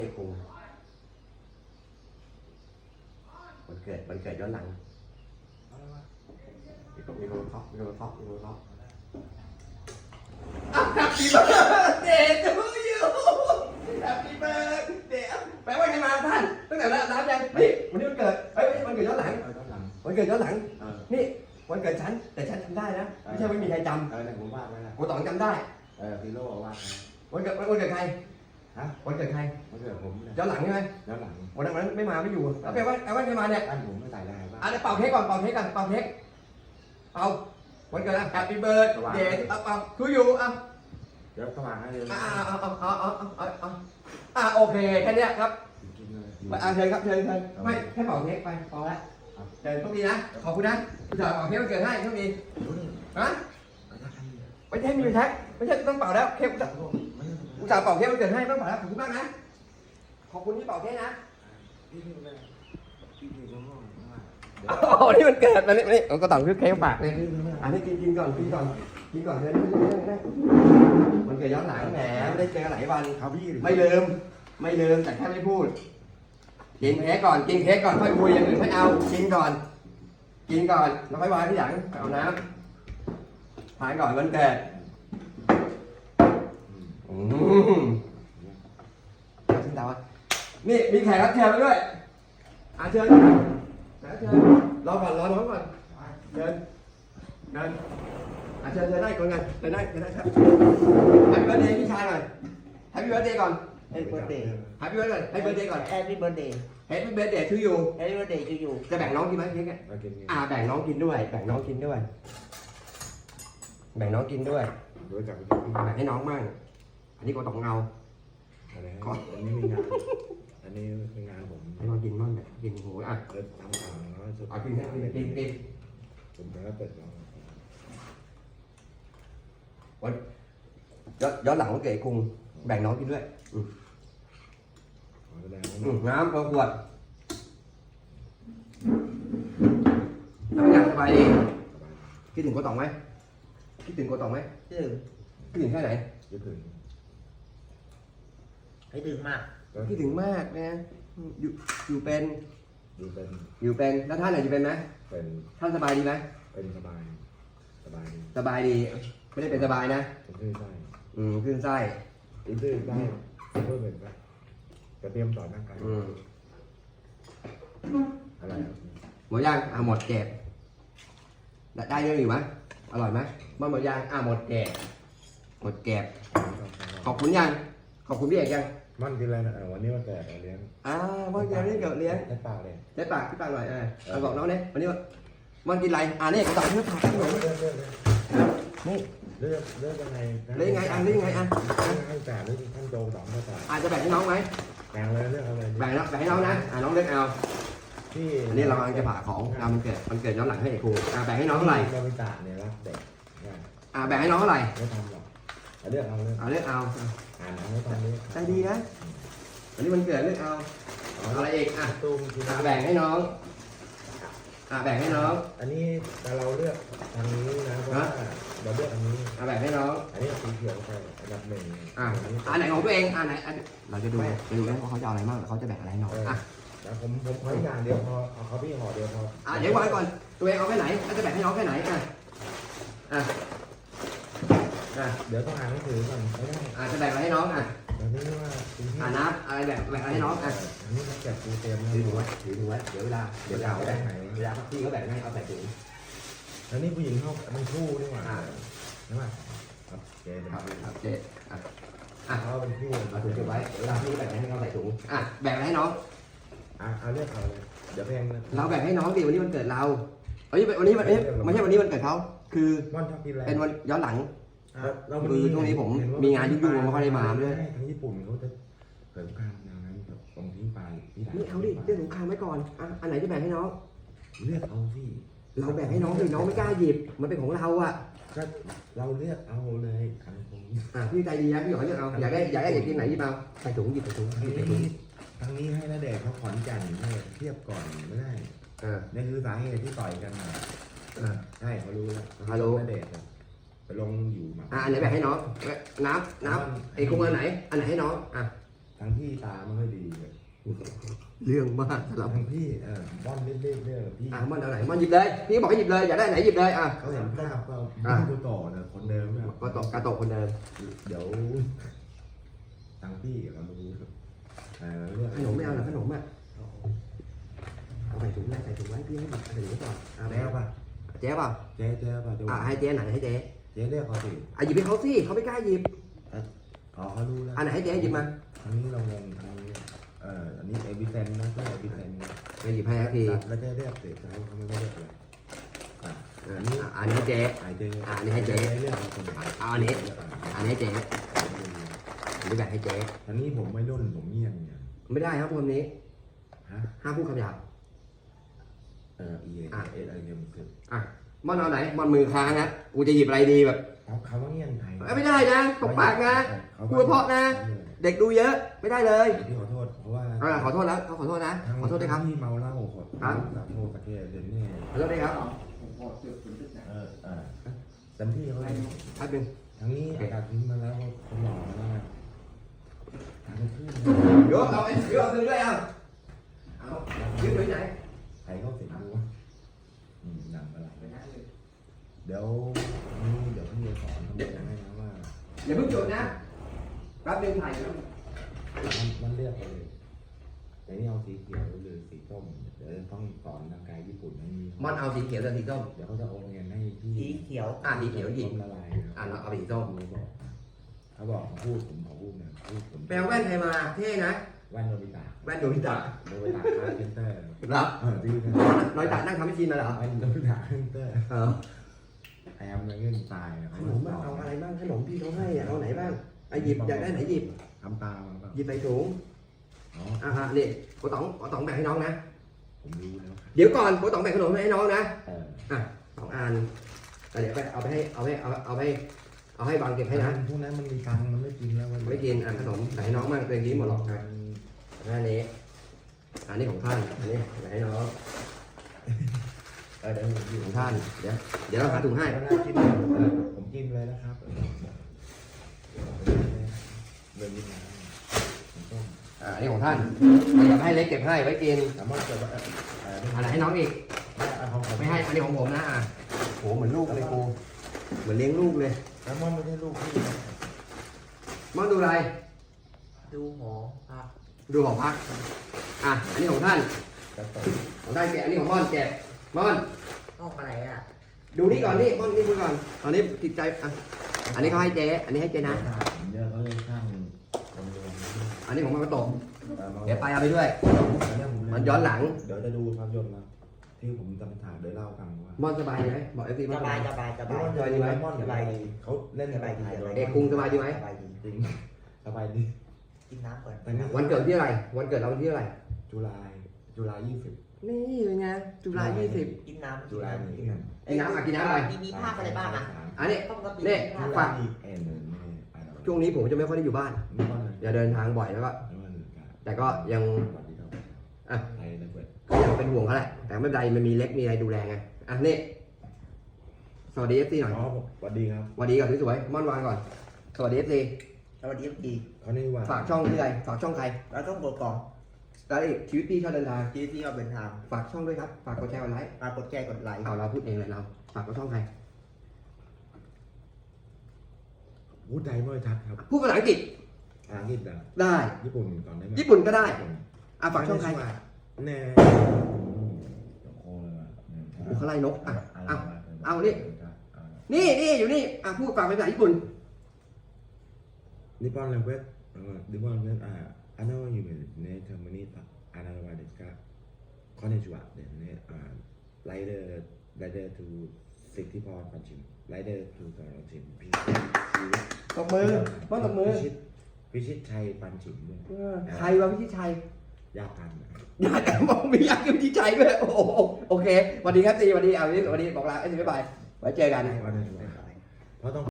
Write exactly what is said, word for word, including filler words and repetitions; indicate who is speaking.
Speaker 1: ไอ้ครูวันเกิดวันเกิดย้อนหลังมีคนมีคนเคาะมีคนเคาะมีคนเคาะแฮปปี้เบิร์ดเดย์ทูยูแฮปปี้เบิร์ดเดย์แปลว่าไงมาท่านตั้งแต่รับรับยังนี่วันนี้วันเกิดเฮ้ยวันเกิดย้อนหลังวันเกิดย้อนหลังนี่วันเกิดฉันแต่ฉันจำได้นะไม่ใช่ไม่มีใครจำ
Speaker 2: เออแต่ผมวาดไว้แล้ว
Speaker 1: กูต้องจำได้
Speaker 2: เออฮีโร่วาดไว้
Speaker 1: วันเกิดวันเกิดใคร
Speaker 2: ฮะ
Speaker 1: วันเกิดใคร
Speaker 2: มันเกิดผมเนี่ย
Speaker 1: ย้อนหลังใช่ไหม
Speaker 2: แล้วหลัง
Speaker 1: วันนั้นวันนั้นไม่มาไม่อยู่แล้วแปลว่าแปลว่าใครมาเนี่ย
Speaker 2: บ้านผมไม่ใส่ได้ป่ะ
Speaker 1: อ่ะเดี๋ยวเป่าเค้กก่อนเป่าเค้กก่อนเป่าเค้กเอาวันเกิดนะ Happy Birthday เอาเป่าทูยูอ่ะ
Speaker 2: เดี๋ยวสว่างให้เลย
Speaker 1: อ่าเอาเอาเอาเอาเอาเอาเอาอ่ะโอเคแค่เนี้ยครับ
Speaker 2: กินเลย
Speaker 1: ไปอ่ะเชิญครับเชิญเชิญไม่แค่เป่าเค้กไปพอละเชิญโชคดีนะขอบคุณนะผู้ชายเป่าเค้กวันเกิดให้โชคดีฮะไม่ใช่มีแท็กไม่ใช่ต้องเป่าแล้วเค้กผู้ชายเป่าเค้กวันเกิดให้ต้องเป่าแล้วขอบคุณมากนะขอบคุณที่เป่าเค้กนะ
Speaker 2: พี่พี่เลยพี่พี่น้องน้อง
Speaker 1: อ๋อนี่มันเกิดมานี่นี่ก็ต้องซื้อเค้กฝากเลยอันนี้กินกินก่อนกินก่อนกินก่อนเลยมันเกิดย้อนหลังแหมไม่ได้เจอหลายวัน
Speaker 2: เขาพี่
Speaker 1: ไม่ลืมไม่ลืมแต่แค่ไม่พูดกินเค้กก่อนกินเค้กก่อนค่อยคุยอย่างอื่นไม่เอากินก่อนกินก่อนแล้วค่อยวางที่หลังเอาน้ำทานก่อนวันเกิดอืมชิมดาวนี่มีแขกรับเชิญมาด้วยอ่ะเชิญแขกรับเชิญรอก่อนรอน้องก่อนเชิญเชิญอ่ะเชิญเชิญได้ก่อนกันเชิญได้เชิญได้ครับให้เบิร์ดเดย์พี่ชายหน่อยให้พี่เบิร์ดเดย์ก่อน
Speaker 3: Happy birthday
Speaker 1: ให้พี่เบิร์ดก่อนให้เบิร์ดเดย์ก่อน
Speaker 3: Happy birthday
Speaker 1: ให้พี่เบิร์ดเดย์ทูยู
Speaker 3: Happy birthday to you
Speaker 1: จะแบ่งน้องกินไหมเค้กอ่ะ
Speaker 2: มากิน
Speaker 1: อ่าแบ่งน้องกินด้วย แบ่งน้องกินด้วย แบ่งน้องกินด้วย
Speaker 2: โดยจาก
Speaker 1: แบ่งให้น้องมั่งอันนี้ก็ต้องเงา
Speaker 2: อะไรอันนี้มีงานอันนี้เป็นงานผม
Speaker 1: ให้น้องกินมั่งแบบกินโหอ่ะ
Speaker 2: เริ่มทำงานแล้วสุด
Speaker 1: เอากินให้กินกิน
Speaker 2: ผมแล้วเปิดเรา
Speaker 1: วันย้อนย้อนหลังวันเกิดคุงแบ่งน้องกินด้วยอืม
Speaker 2: ขอแสดง
Speaker 1: อื
Speaker 2: ว่าม
Speaker 1: น้ำขวดทำงานสบายดีคิดถึงโกตองไหมคิดถึงโกตองไหม
Speaker 3: คิดถึง
Speaker 1: คิดถึงแค่ไหน
Speaker 2: ยึดถึง
Speaker 3: ให้ถึงมาก
Speaker 1: คิดถึงมากนะอยู่อยู่เป็น
Speaker 2: ดูเป็น
Speaker 1: อยู่เป็นแล้วท่านไหนอยู่เป็นไหม
Speaker 2: เป็น
Speaker 1: ท่านสบายดีไหม
Speaker 2: เป็นสบายสบายดี
Speaker 1: สบายดีไม่ได้เป็นสบายนะ
Speaker 2: ผมขึ้นได้
Speaker 1: อืมขึ้นไส้
Speaker 2: อินเตอร์ได้เพิ่มเป็นว่าจะเตรียมสอนร่างกาย
Speaker 1: อืม
Speaker 2: อะไร
Speaker 1: หมดย่างอ่ะหมดเก็บได้ได้เรื่องอยู่ไหมอร่อยไหมมันหมดย่างอ่ะหมดเก็บหมดเก็บขอบคุณยังขอบคุณพี่เอกยัง
Speaker 2: มันกินอะไรนะวันนี้วันเกิดเลี้ยง
Speaker 1: อ่าวันเกิดนี่เกิดเลี้ยง
Speaker 2: ใช้ปากเลย
Speaker 1: ใช้ปากที่ปากหน่อยเออเอาบอกน้องเนี่ยวันนี้มันกินอะไรอ่านี่กระต่ายเนื้อผักขนม
Speaker 2: เลือกเลือก
Speaker 1: นี่
Speaker 2: เลือกเลือกยังไง
Speaker 1: เลือกยังไงอ่ะเลือกยังไงอ่ะ
Speaker 2: ให้แต่เลือกท่านโจสองก็แต่
Speaker 1: อาจจะแบ่งให้น้องไหม
Speaker 2: แบ่งเลยเลือกเอาเลย
Speaker 1: แบ่งแล้วแบ่งให้น้องนะอ่าน้องเลือกเอา
Speaker 2: ที่
Speaker 1: อันนี้เรากำลังจะผ่าของงานมันเกิดมันเกิดย้อนหลังให้เอกครูอ่าแบ่งให้น้องเท่าไหร่
Speaker 2: บริจาคเนี่ยรักเด็ก
Speaker 1: อ่าแบ่งให้น้องเท่าไหร่
Speaker 2: ไม่ทำหรอกเลือกเอาเลย
Speaker 1: อ่าเลือกเอา
Speaker 2: อ่านเอาตอนนี้
Speaker 1: ใจดีนะวันนี้มันเกิดเลือกเอาอะไรอีกอ่ะ
Speaker 2: ตุ้มกิน
Speaker 1: อ่าแบ่งให้น้องอ่าแบ่งให้น้อง
Speaker 2: อันนี้แต่เราเลือกทางนี้นะเพราะว่าเราเลือกอันนี้
Speaker 1: อ่าแบ่งให้น้อง
Speaker 2: อันนี้สีเขียวไปอันดับหนึ่ง
Speaker 1: อ่าอันไหนของตัวเองอันไหนอันเราจะดูจะดูว่าเขาจะเอาอะไรบ้างเขาจะแบ่งอะไรให้น้องอ่ะ
Speaker 2: แล้วผมผมขออย่างเดียวพอเอาเขาพี่ห่อเดียวพอ
Speaker 1: อ่ะเดี๋ยววางก่อนตัวเองเอาแค่ไหนแล้วจะแบ่งให้น้องแค่ไหนอ่ะอ่ะอ่ะ
Speaker 2: เดี๋ยวต้องอ่านหนังสือก่อนไม่ได้
Speaker 1: อ่ะจะแบ่งอะไรให้น้องอ่ะ
Speaker 2: ตอนนี้ว่าคุณพี่
Speaker 1: อ่ะน้ำอะไรแบ่งแบ่งอะไรให้น้องอ่ะ
Speaker 2: อันนี้เขาแจกปูเต็ม
Speaker 1: ถือถุงไว้ถือถุงไว้เดี๋ยวเวลาเดี๋ยวเวลาเขาแบ่งให้เวลาพี่เขาแบ่งให้เอาใส่ถุง
Speaker 2: แล้วนี่ผู้หญิงเขามันคู่ด้วยว่ะ
Speaker 1: อ่ะ
Speaker 2: ใช่ป่ะครับเจ๊
Speaker 1: ครับครับเจ๊อ่ะอ่ะ
Speaker 2: เขาเป็นคู่
Speaker 1: เอาถุงเก็บไว้เวลาพี่เขาแบ่งให้เขาใส่ถุงอ่ะแบ่งอะไรให้น้อง
Speaker 2: อ่ะเอาเลือกเอาเลยเดี๋ยวแพงนะ
Speaker 1: เราแบ่งให้น้องดิวันนี้วันเกิดเราวันนี้วันนี้วันนี้ไม่ใช่วันนี้วันเกิดเขาคือ
Speaker 2: ม่อนชอบกินอะไร
Speaker 1: เป็นวันย้อนหลัง
Speaker 2: เรา
Speaker 1: คือช่วงนี้ผมมีงานยุ่งๆไม่ค่อยได้มาด้วย
Speaker 2: ทางญี่ปุ่นเขาจะเกิดการอย่างนั้นแบบตรงที่ปลายที่ไหน
Speaker 1: ไม่เอาดิเรื่องสงครามไว้ก่อนอ่ะอันไหนจะแบ่งให้น้อง
Speaker 2: เลือกเอาสิ
Speaker 1: เราแบ่งให้น้องดิน้องไม่กล้าหยิบมันเป็นของเราอ่ะ
Speaker 2: ก็เราเลือกเอาเลยทางตรงนี้
Speaker 1: อ่ะพี่ใจดีนะพี่ขอเลือกเอาอยากได้อยากได้อยากกินไหนหยิบเอาใส่ถุงหยิบใส่ถุงหยิบใส่ถุง
Speaker 2: ทางนี้ให้นาเดชเขาขอนแก่นให้เทียบก่อนไม่ได้
Speaker 1: เออ
Speaker 2: นี่คือสาเหตุที่ต่อยกันมา
Speaker 1: เออ
Speaker 2: ใช่เขารู้แล้ว
Speaker 1: เขารู้
Speaker 2: นาเดชไปลงอยู่มา
Speaker 1: อ่ะอันไหนแบ่งให้น้องน้ำน้ำไอ้คุ้งอันไหนอันไหนให้น้องอ่ะ
Speaker 2: ทางพี่ตาไม่ค่อยดีเลย
Speaker 1: เรื่องมากสำหรับ
Speaker 2: ทางพี่เออบ้อนเล่นๆเนี่ยพี่
Speaker 1: อ่ะมันเอาไหนมันหยิบเลยพี่บอกให้หยิบเลยอยากได้ไหนหยิบเลยอ่ะ
Speaker 2: เขาเห็นภาพก็
Speaker 1: อ่ะ
Speaker 2: พี่ตัวต่อนะคนเดิมเนี่ย
Speaker 1: ก็ตกกระตกคนเดิม
Speaker 2: เดี๋ยวทางพี่เราดูเออเรื่อง
Speaker 1: ขนมไม่เอาหรอขนมอ่ะเอาใส่ถุงไว้ใส่ถุงไว้พี่ให้หยิบใส่ถุงไว้ก่อนเอา
Speaker 2: แจ๊ป่ะ
Speaker 1: เจ๊เปล่า
Speaker 2: เจ๊เจ๊ป่ะ
Speaker 1: อ่ะให้เจ๊ไหนให้เจ๊
Speaker 2: เจ๊เรียกเขาสิ
Speaker 1: อ่ะหยิบให้เขาสิเขาไม่กล้าหยิบ
Speaker 2: อ๋อเขารู้แล้ว
Speaker 1: อันไหนให้เจ๊หยิบมา
Speaker 2: ทางนี้เรางงทางนี้เอ่ออันนี้เอบิเซนนะก็เอบิเซนนะ
Speaker 1: ไม่หยิบให้สักที
Speaker 2: แล้วเจ๊เรียกเสร็จแล้วเขาไม่ได้เรียกเลยอ่ะ
Speaker 1: อ่ะอันนี้อันนี้ให้เจ๊
Speaker 2: ไอเจ๊
Speaker 1: อ่ะอันนี้ให้เจ๊
Speaker 2: เรียกเราคน
Speaker 1: เอาอันนี้อันนี้ให้เจ๊อันนี้แบบให้เจ๊
Speaker 2: อันนี้ผมไม่รุ่นผมเงียบเนี่ย
Speaker 1: ไม่ได้ครับพวกนี้
Speaker 2: ฮะ
Speaker 1: ห้ามพูดคำหยาบ
Speaker 2: เออเอเอเอไอเอ็มคือ
Speaker 1: อ่ะมันเอาไหนมันมือค้างนะกูจะหยิบอะไรดีแบบ
Speaker 2: เขาเขาว่าเงียบไทย
Speaker 1: เอ้ยไม่ได้นะตบปากนะพูดเพราะนะ เด็กดูเยอะไม่ได้เลย
Speaker 2: ที่ขอโทษเพราะว่า
Speaker 1: อ่ะขอโทษแล้วเขาขอโทษนะขอโทษด้วยครับ
Speaker 2: ที่เมาเหล้าขอ
Speaker 1: ครับ
Speaker 2: สาโทษตะเกียบเดี๋ยวนี้
Speaker 1: ขอโทษด้วยครับ
Speaker 2: เออเออเต็มที่เขาเลย
Speaker 1: แป๊บนึง
Speaker 2: ทั้งนี้อากาศทิ้งมาแล้วคนหล่อมาแล้วนะทางขึ้น
Speaker 1: เดี๋ยวเอาไอ้เดี๋ยวเอาคืนด้วยเอาเอายืมไว้ไหน
Speaker 2: ใครก็เสร็จดูว่าอืมหนังอะไรเดี๋ยวนี่เดี๋ยวพี่จะสอนเขาบอกให้นะว่า
Speaker 1: อย่าเพิ่งจบนะแป๊บนึงถ่ายอยู่
Speaker 2: มันมันเรียกไปเลยแต่นี่เอาสีเขียวหรือสีส้มเดี๋ยวต้องสอนทางกายญี่ปุ่นให้มี
Speaker 1: มันเอาสีเขียวกับสีส้ม
Speaker 2: เดี๋ยวเขาจะโอนเงินให้พี่
Speaker 3: สีเขียว
Speaker 1: อ่ะสีเขียวหยิบ
Speaker 2: ละลาย
Speaker 1: อ่ะเราเอาสีส้ม
Speaker 2: เขาบอกพูดผมขอพูดนะพูดผม
Speaker 1: แปลแว่นใครมาเท่นะ
Speaker 2: แว่นโนบิตะ
Speaker 1: แว่นโดมิตะ
Speaker 2: โนบิตะคาร์เซนเตอร์
Speaker 1: รับ
Speaker 2: เออจริงนะ
Speaker 1: น้อยตานั่งทำพิธีมาเหรอ
Speaker 2: แว่นโนบิตะคาร์เซนเตอร์
Speaker 1: เออ
Speaker 2: แอมเลยเงินตาย
Speaker 1: ขนมบ้างเอาอะไรบ้างขนมพี่เขาให้อ่ะเอาไหนบ้างไอ้หยิบอยากได้ไหนหยิบ
Speaker 2: ทำตามมา
Speaker 1: หยิบใส่ถุง
Speaker 2: อ๋อ
Speaker 1: อ่ะฮะนี่โกต๋องโกต๋องแบ่งให้น้องนะ
Speaker 2: ผมรู้แล้ว
Speaker 1: เดี๋ยวก่อนโกต๋องแบ่งขนมให้น้องนะ
Speaker 2: เออ
Speaker 1: อ่ะสองอันแล้วเดี๋ยวไปเอาไปให้เอาให้เอาเอาให้เอาให้บางเก็บให้นะ
Speaker 2: พวกนั้นมันมีตังค์มันไม่กินแล้ว
Speaker 1: ไม่กินอ่ะขนมใส่ให้น้องมั่งตัวเองกินหมดหรอกอ่ะอันนี้อันนี้ของท่านอันนี้ใส่ให้น้อง
Speaker 2: เออเดี๋ยวผมกิน
Speaker 1: ของท่านเดี๋ยวเดี๋ยวเราหาถุงให้
Speaker 2: กินผมกินเลยนะครับเดินกินน้ำต้ม
Speaker 1: อ่ะอันนี้ของท่านเดี๋ยวให้เล็กเก็บให้ไว้กิน
Speaker 2: สามารถจะเออ
Speaker 1: อันไหนให้น้องอีก
Speaker 2: เอาของ
Speaker 1: ไม่ให้อันนี้ของผมนะอ่ะโหเหมือนลูกเลยกูเหมือนเลี้ยงลูกเลย
Speaker 2: แล้วมันไม่ใช่ลูกพี่
Speaker 1: มอนดูอะไร
Speaker 3: ดูหอภาพ
Speaker 1: ดูของพักอ่ะอันนี้ของท่าน
Speaker 2: กระตุก
Speaker 1: ของท่านแกะอันนี้ของม่อนแกะม่อน
Speaker 3: ห้องอะไรอ่ะ
Speaker 1: ดูนี่ก่อนนี่ม่อนนี่ดูก่อนตอนนี้ติดใจอ่ะอันนี้เขาให้เจ๊อันนี้ให้เจ๊นะ
Speaker 2: เยอะเขาเลยข้างคนรวม
Speaker 1: อันนี้ของมันกระตกเดี๋ยวไปเอาไปด้วย มันย้อนหลัง
Speaker 2: เดี๋ยวจะดูภาพยนตร์นะที่ผมจำถามเดี๋ยวเล่าฟังว่า
Speaker 1: ม่อนสบายดีไหมบอกเอฟซี
Speaker 3: ส
Speaker 1: ม่อนส
Speaker 3: บา
Speaker 1: บาย ย
Speaker 3: สบายส
Speaker 2: ส
Speaker 3: บาย
Speaker 2: บายดีไหมม่อนสบายดีเขาเล่น
Speaker 3: สบายดี
Speaker 1: เอกกรุงสบายดีไหม
Speaker 3: สบายดี
Speaker 2: จริงสบายดี
Speaker 3: กินน้ำก่อน
Speaker 2: แต่นี่
Speaker 1: วันเกิดที่อะไรวันเกิดเราวันที่อะไร
Speaker 2: จุฬาจุฬายี่สิบ
Speaker 1: นี่เป็นไงจุฬายี่สิบ
Speaker 3: กินน้ำ
Speaker 2: จุฬาหนึ่ง
Speaker 1: กินน้ำอ่ะกินน้ำอะไร
Speaker 3: มีมีภาพอะไรบ้างอ่ะ
Speaker 1: อันนี้
Speaker 3: ปกติ
Speaker 1: นี่
Speaker 3: มีภาพ
Speaker 1: ฝาก
Speaker 2: เอ็นเลยไม่ไปแล้ว
Speaker 1: ช่วงนี้ผมจะไม่ค่อยได้อยู่บ้าน
Speaker 2: ไม่ว่าเลย
Speaker 1: อย่าเดินทางบ่อยแล้วก็
Speaker 2: ไม่ว่าเลยกัน
Speaker 1: แต่ก็ยัง
Speaker 2: สวัสดีครับ
Speaker 1: อ่ะ
Speaker 2: ไทยนะเปิด
Speaker 1: ก็ยังเป็นห่วงเขาแหละแต่ไม่เป็นไรมันมีเล็กมีอะไรดูแลไงอ่ะนี่สวัสดีเอฟซีหน่อย
Speaker 2: อ๋อสวัสดีครับ
Speaker 1: สวัสดีก่อนสวยๆม่อนวางก่อนสวัสดีเอฟซี
Speaker 3: สวัสดีดี
Speaker 2: เขานี่ว่า
Speaker 1: ฝากช่องที่ใดฝากช่องใคร
Speaker 3: เราต้องกดกล่อง
Speaker 1: แล้วอีกชีวิตพี่ชอบเดินทาง
Speaker 3: ที่ที่เราเป็นทาง
Speaker 1: ฝากช่องด้วยครับฝากกดแชร์กดไลค์
Speaker 3: ปรากฏแชร์กดไลค์
Speaker 1: เอาเราพูดเองเลยเราฝากกดช่องใคร
Speaker 2: พูดไทยไม่ชัดครับ
Speaker 1: พูดภาษาอังกฤษ
Speaker 2: อังกฤษอ่ะ
Speaker 1: ได้
Speaker 2: ญี่ปุ่นก่อนได้ไหม
Speaker 1: ญี่ปุ่นก็ได้อ่ะฝากช่องใคร
Speaker 2: แน่โอ้เลย
Speaker 1: โอ้เขาไล่นกอ่ะเอาเอานี่นี่นี่อยู่นี่อ่ะพูดฝากเป็นภาษาญี่ปุ่น
Speaker 2: นิปปอนเลเวสนิปปอนเลเวสอ่าอันนั้นอยู่ในเทอร์มินีต่ออันนั้นว่าเด็กก็คอนเนชัวเดี๋ยวนี้อ่าไลเดอร์ไลเดอร์ทูสิทธิพรปัญชิมไลเดอร์ทูสอนชิมพี่
Speaker 1: ตบมือม่อนตบมือ
Speaker 2: พิชิตพิชิตชัยปัญชิมด้วย
Speaker 1: เออใครวะพี่ชิดชัย
Speaker 2: ยากกัน
Speaker 1: อยากแต่มองมีอยากกับพี่ชัยด้วยโอ้โหโอเคสวัสดีครับซีสวัสดีเอาวันนี้สวัสดีบอกลาเอ้ยบ๊ายบายไว้เจอกัน
Speaker 2: วันนี้เพราะต้อง